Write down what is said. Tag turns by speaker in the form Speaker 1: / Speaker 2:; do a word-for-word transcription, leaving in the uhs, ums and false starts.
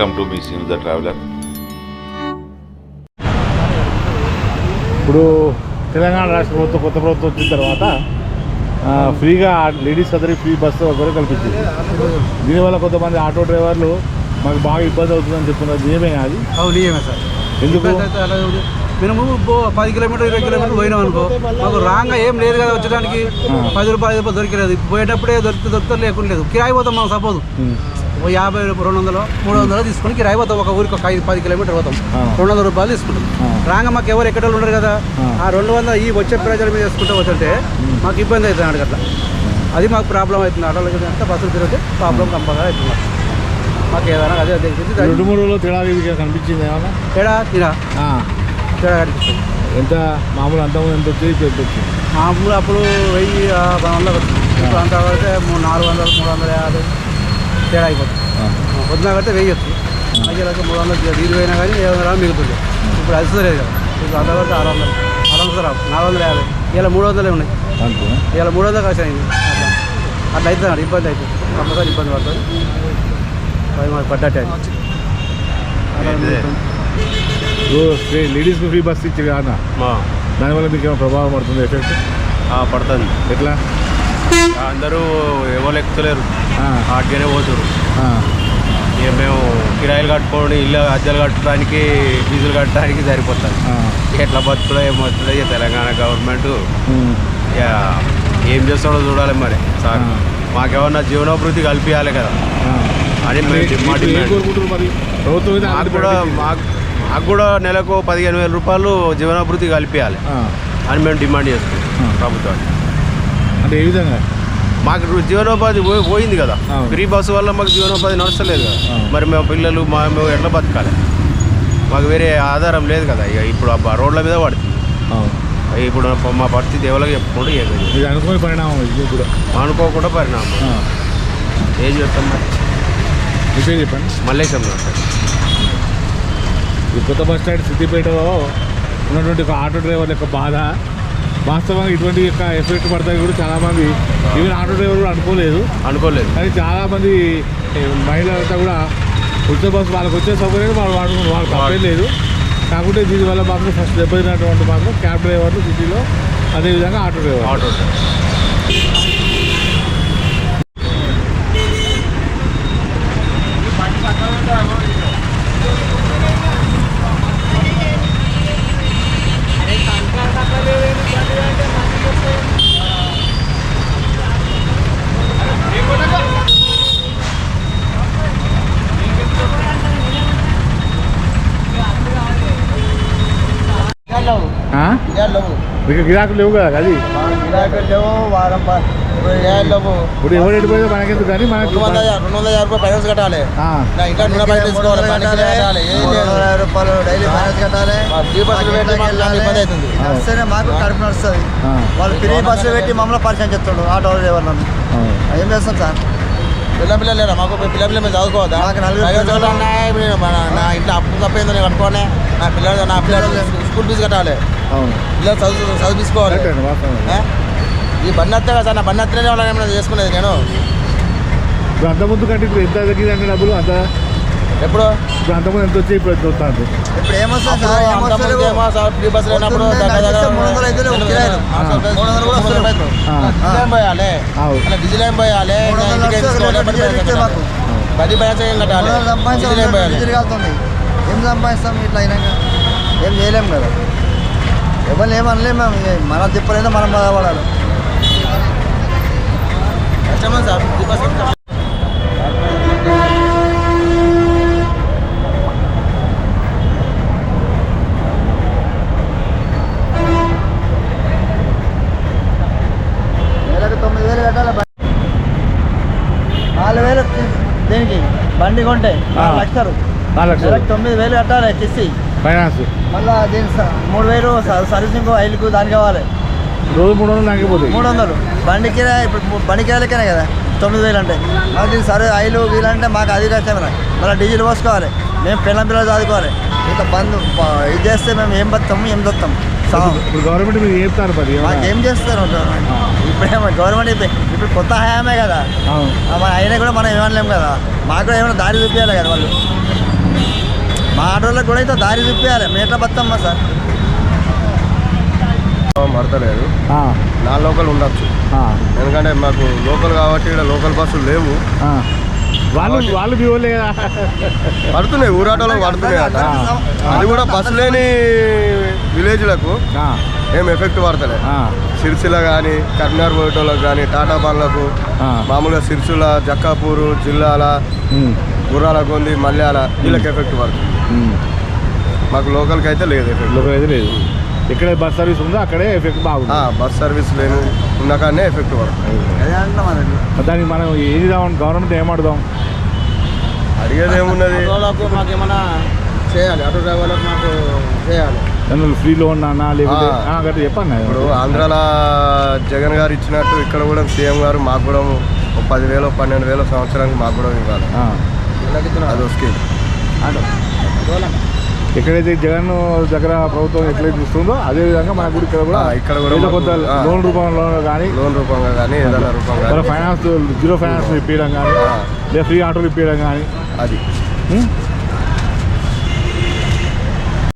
Speaker 1: Welcome to మీ seen the traveller.
Speaker 2: ఇప్పుడు తెలంగాణ రాష్ట్ర ప్రభుత్వం కొత్త ప్రభుత్వం వచ్చిన తర్వాత ఫ్రీగా లేడీస్ అందరికీ ఫ్రీ బస్సు ఒకరు కల్పించింది. దీనివల్ల కొంతమంది ఆటో డ్రైవర్లు మాకు బాగా ఇబ్బంది అవుతుందని చెప్తున్నారు. నిజమే అది?
Speaker 3: నిజమే సార్.
Speaker 2: ఎందుకు?
Speaker 3: మేము పది కిలోమీటర్ ఇరవై కిలోమీటర్లు పోయినాం అనుకో, మాకు రాంగా ఏం లేదు కదా వచ్చడానికి, పది రూపాయలు ఐదు రూపాయలు దొరికలేదు. పోయేటప్పుడే దొరికితే దొరికితే లేకుండా లేదు. కిరాయి పోతాం మనం సపోజ్ ఓ యాభై రెండు వందలు మూడు వందలు తీసుకొని కిరాయి పోతాం. ఒక ఊరికి ఒక ఐదు పది కిలోమీటర్ పోతాం, రెండు వందల రూపాయలు తీసుకుంటాం. రాంగా మాకు ఎవరు ఎక్కడ ఉండరు కదా, ఆ రెండు వందలు ఈ వచ్చే ప్రజల మీద వేసుకుంటే వచ్చంటే మాకు ఇబ్బంది అవుతుంది అడగట్లా. అది మాకు ప్రాబ్లం అవుతుంది. ఆటోలకి అంతా బస్సులు తిరిగితే ప్రాబ్లం కంపల్గా అవుతుంది మాకు. ఏదైనా అదే
Speaker 2: రెండు మూడు రోజులు తేడా కనిపించింది ఏమన్నా?
Speaker 3: తేడా తిరా తేడా కనిపిస్తుంది.
Speaker 2: ఎంత మామూలు అంతకుముందు ఎంత వచ్చి ఎంత వచ్చింది?
Speaker 3: మామూలు అప్పుడు వెయ్యి వందలు వచ్చింది. ఇప్పుడు అంతా పడితే మూడు నాలుగు వందలు మూడు వందల యాభై తేడా అయిపోతుంది. పొద్దున కడితే వెయ్యి వస్తుంది, మధ్యలోకి మూడు వందలు వీలు పోయినా కానీ ఏడు వందల మిగులుతుంది. ఇప్పుడు అది లేదు కదా. ఇప్పుడు అంతా పడితే ఆరు వందలు ఆరు వందలు రావు, నాలుగు వందల యాభై ఇలా మూడు వందలే ఉన్నాయి. ఇలా మూడు వందలు ఖర్చు అయింది. అట్లా అట్లా అవుతుంది, ఇబ్బంది అవుతుంది. కంపల్సరీ ఇబ్బంది పడుతుంది. అది మాకు పడ్డట్టే.
Speaker 2: లేడీస్కి ఫ్రీ బస్ ఇచ్చి కాదా, దానివల్ల మీకు ఏమైనా ప్రభావం పడుతుంది? ఎఫెక్ట్
Speaker 4: పడుతుంది.
Speaker 2: ఎట్లా?
Speaker 4: అందరూ ఎవరు ఎక్కుతలేరు, ఆటగానే పోతారు. ఇక మేము కిరాయిలు కట్టుకోండి, ఇల్లు అద్దెలు కట్టడానికి ఫీజులు కట్టడానికి సరిపోతుంది. ఎట్లా బతుకులో ఏమవుతుంది? ఇక తెలంగాణ గవర్నమెంట్ ఇక ఏం చేస్తాడో చూడాలి మరి. సార్ మాకేమన్నా జీవనోభివృద్ధి కల్పించాలి కదా అని మా డిమాండ్. మాకు కూడా మాకు మాకు కూడా నెలకు పదిహేను వేల రూపాయలు జీవనాభివృద్ధి కల్పించాలి అని మేము డిమాండ్ చేస్తున్నాం ప్రభుత్వాన్ని.
Speaker 2: అంటే ఏ విధంగా?
Speaker 4: మాకు జీవనోపాధి పోయింది కదా, ఫ్రీ బస్సు వల్ల మాకు జీవనోపాధి నడుస్తలేదు కదా. మరి మేము పిల్లలు మా మేము ఎట్లా బతకాలి? మాకు వేరే ఆధారం లేదు కదా. ఇక ఇప్పుడు ఆ రోడ్ల మీద పడుతుంది. ఇప్పుడు మా పరిస్థితి ఎవరికి చెప్పుకుంటూ
Speaker 2: ఇది అనుకోని పరిణామం. ఇది కూడా
Speaker 4: అనుకోకుండా పరిణామం. ఏం చెప్తాం మరి?
Speaker 2: మీకే చెప్పండి.
Speaker 4: మల్లేశం
Speaker 2: ఈ కొత్త బస్ స్టాండ్ సిద్దిపేటలో ఉన్నటువంటి ఒక ఆటో డ్రైవర్ యొక్క బాధ, వాస్తవంగా ఇటువంటి యొక్క ఎఫెక్ట్ పడతాయి కూడా చాలామంది ఈవెన్ ఆటో డ్రైవర్ కూడా అనుకోలేదు
Speaker 4: అనుకోలేదు
Speaker 2: కానీ చాలామంది మహిళలంతా కూడా ఉచిత బస్సు వాళ్ళకి వచ్చే సౌకర్యాలు వాళ్ళు వాడుకున్నారు. వాళ్ళకి తప్పేం లేదు. కాకుంటే దీనివల్ల మాత్రం ఫస్ట్ దెబ్బతిన్నటువంటి మాత్రం క్యాబ్ డ్రైవర్లు సిటీలో, అదేవిధంగా ఆటో డ్రైవర్
Speaker 4: ఆటో డ్రైవర్
Speaker 2: మీకు గిరాకులు లేవు కదా. అది ఇప్పుడు ఎవరు ఎడిపోయిందో మనకెందుకు కానీ మనకి
Speaker 3: రెండు వందల యాభై రూపాయలు ఫైనాన్స్ కట్టాలి. ఇంకా నూనె బయట తీసుకోవాలి, రూపాయలు డైలీ ఫైనాన్స్ కట్టాలి. ఫ్రీ బస్సులు పెట్టి ఇబ్బంది అవుతుంది. వస్తేనే మాకు కడుపు నడుస్తుంది. వాళ్ళు ఫ్రీ బస్సులు పెట్టి మమ్మల్ని పరిచయం చేస్తాడు ఆటో డ్రైవర్లను. ఏం చేస్తాం సార్? పిల్ల పిల్లలు లేరా మాకు? పిల్ల పిల్లలు మేము చదువుకోవద్దా? నా ఇంట్లో అప్పు తప్పైందో నేను కట్టుకోవాలి. నా పిల్లలు నా పిల్లలు స్కూల్ ఫీజు కట్టాలి. పిల్లలు చదువు చదువు తీసుకోవాలి. ఈ బండి వస్తే కదా సార్, నా బండి వస్తేనే వాళ్ళని ఏమైనా చేసుకునేది నేను.
Speaker 2: ఇప్పుడు అంత ముందు కంటే ఇప్పుడు ఎంత తగ్గింది అంటే డబ్బులు అంత
Speaker 3: ఎప్పుడు?
Speaker 2: ఇప్పుడు అంతకుముందు ఎంత వచ్చి ఇప్పుడు ఎంత వస్తుంది?
Speaker 3: ఇప్పుడు ఏమొస్తుంది సార్? ఫ్రీ బస్సు లేనప్పుడు పోయాలి, అలా డీజిల్ ఏం పోయాలి, పది పైసలు ఏం కట్టాలి, డీజిల్ ఏం పోయాలి. ఏం సంపాదిస్తాం ఇట్లా అయినా? ఏం చేయలేము కదా. ఎవరు ఏమనలేము మేము. మన తిప్పలేదో మనం బాధపడాలి. కష్టమే సార్ ఫ్రీ బస్. తొమ్మిది వేలు కట్టాలి. నాలుగు వేలు దేనికి? బండి కొంటే నాలుగు లక్షలు
Speaker 2: నాలుగు లక్షలు
Speaker 3: తొమ్మిది వేలు కట్టాలి కిస్తి
Speaker 2: ఫైనాన్స్. మళ్ళీ
Speaker 3: దీని మూడు వేలు సర్వీసింగ్ ఆయిల్కు దానికి కావాలి.
Speaker 2: రోజు మూడు వందలు తగ్గిపోతాయి.
Speaker 3: మూడు వందలు బండికి ఇప్పుడు బండి కిరాయిలకేనే కదా తొమ్మిది వేలు అంటే. మాకు దీనికి సరే ఆయిల్ వీలంటే మాకు అది కష్టమే. మళ్ళీ డీజిల్ పోసుకోవాలి. మేము పిల్లల పిల్లలు చదువుకోవాలి. ఇట్లా బంద్ ఇది చేస్తే మేము ఏం బతాము ఏం దొత్తాం.
Speaker 2: ఇప్పుడు గవర్నమెంట్ మీరు చెప్తారు మరి
Speaker 3: మాకు ఏం చేస్తారు గవర్నమెంట్? ఇప్పుడేమో గవర్నమెంట్ ఇప్పుడు కొత్త హయామే కదా, మన అయినా కూడా మనం ఏమనలేము కదా. మాకు కూడా ఏమైనా దారి చూపించాలి కదా వాళ్ళు.
Speaker 1: మా ఆటోళ్ళకి కూడా అయితే దారి చూపించాలి మేట్ల బతమ్మ సార్
Speaker 5: మడతలేదు
Speaker 2: ఆ,
Speaker 5: నా లోకల్ ఉండొచ్చు
Speaker 2: ఆ,
Speaker 5: ఎందుకంటే మాకు లోకల్ కాబట్టి ఇక్కడ లోకల్ బస్సులు లేవు
Speaker 2: ఆ. వాళ్ళు వాళ్ళు మీ వాళ్ళే కదా.
Speaker 5: పడుతున్నాయి ఊరాటోలో పడుతున్నాయి అట అది కూడా బస్సు లేని విలేజ్లకు
Speaker 2: ఆ,
Speaker 5: ఏం ఎఫెక్ట్ పడతలే
Speaker 2: ఆ,
Speaker 5: సిరిసిల్ల కానీ కర్నార్ పోయేటోళ్ళకి కానీ టాటా బండ్లకు
Speaker 2: ఆ.
Speaker 5: మామూలుగా సిరిసిల్ల జక్కాపూరు జిల్లాల
Speaker 2: ఉమ్,
Speaker 5: గుర్రాల కొంది మల్యాల వీళ్ళకి ఎఫెక్ట్ పడుతుంది
Speaker 2: ఉమ్.
Speaker 5: మాకు లోకల్కి అయితే లేదు ఎఫెక్ట్
Speaker 2: లోకల్ అయితే లేదు. ఎక్కడే బస్ సర్వీస్ ఉందో అక్కడే ఎఫెక్ట్ బాగుంది.
Speaker 5: బస్ సర్వీస్ లేని ఉన్న కానీ ఎఫెక్ట్ పడుతుంది
Speaker 1: అదే అంటున్నాం మరి
Speaker 2: మరి దానికి మనం ఏది కావాలి గవర్నమెంట్ ఏమాడుదాం?
Speaker 5: అడిగేది ఏమున్నది
Speaker 1: ఆటోలకు మాకు ఏమైనా చేయాలి ఆటో డ్రైవర్లకు మాకు చేయాలి
Speaker 2: దానిలో ఫ్రీ లోన్ అన్నా లేకపోతే
Speaker 5: ఆ.
Speaker 2: ఆ, గట్రా చెప్పండి.
Speaker 5: ఇప్పుడు ఆంధ్రాలో జగన్ గారు ఇచ్చినట్టు ఇక్కడ కూడా సీఎం గారు మాకు కూడా ఒక పదివేలు పన్నెండు వేలు సంవత్సరానికి మాకు కూడా ఇవ్వాలి
Speaker 2: ఆ.
Speaker 5: అది స్కీమ్
Speaker 2: ఎక్కడైతే జగన్ దగ్గర ప్రభుత్వం ఎట్లయితే ఇస్తుందో అదే విధంగా మన కూడా ఇక్కడ కూడా
Speaker 5: ఆ, ఇక్కడ కూడా
Speaker 2: ఏదో
Speaker 5: మాకు,
Speaker 2: కొంత
Speaker 5: ఆ.
Speaker 2: లోన్ రూపంలో కానీ
Speaker 5: లోన్ రూపంగా కానీ ఏదైనా రూపంగా
Speaker 2: మన
Speaker 5: కానీ
Speaker 2: ఫైనాన్స్ జీరో ఫైనాన్స్ ఇప్పించడం కానీ
Speaker 5: ఆ.
Speaker 2: లేదా ఫ్రీ ఆటోలు ఇప్పించడం కానీ
Speaker 5: అది
Speaker 2: ఉం?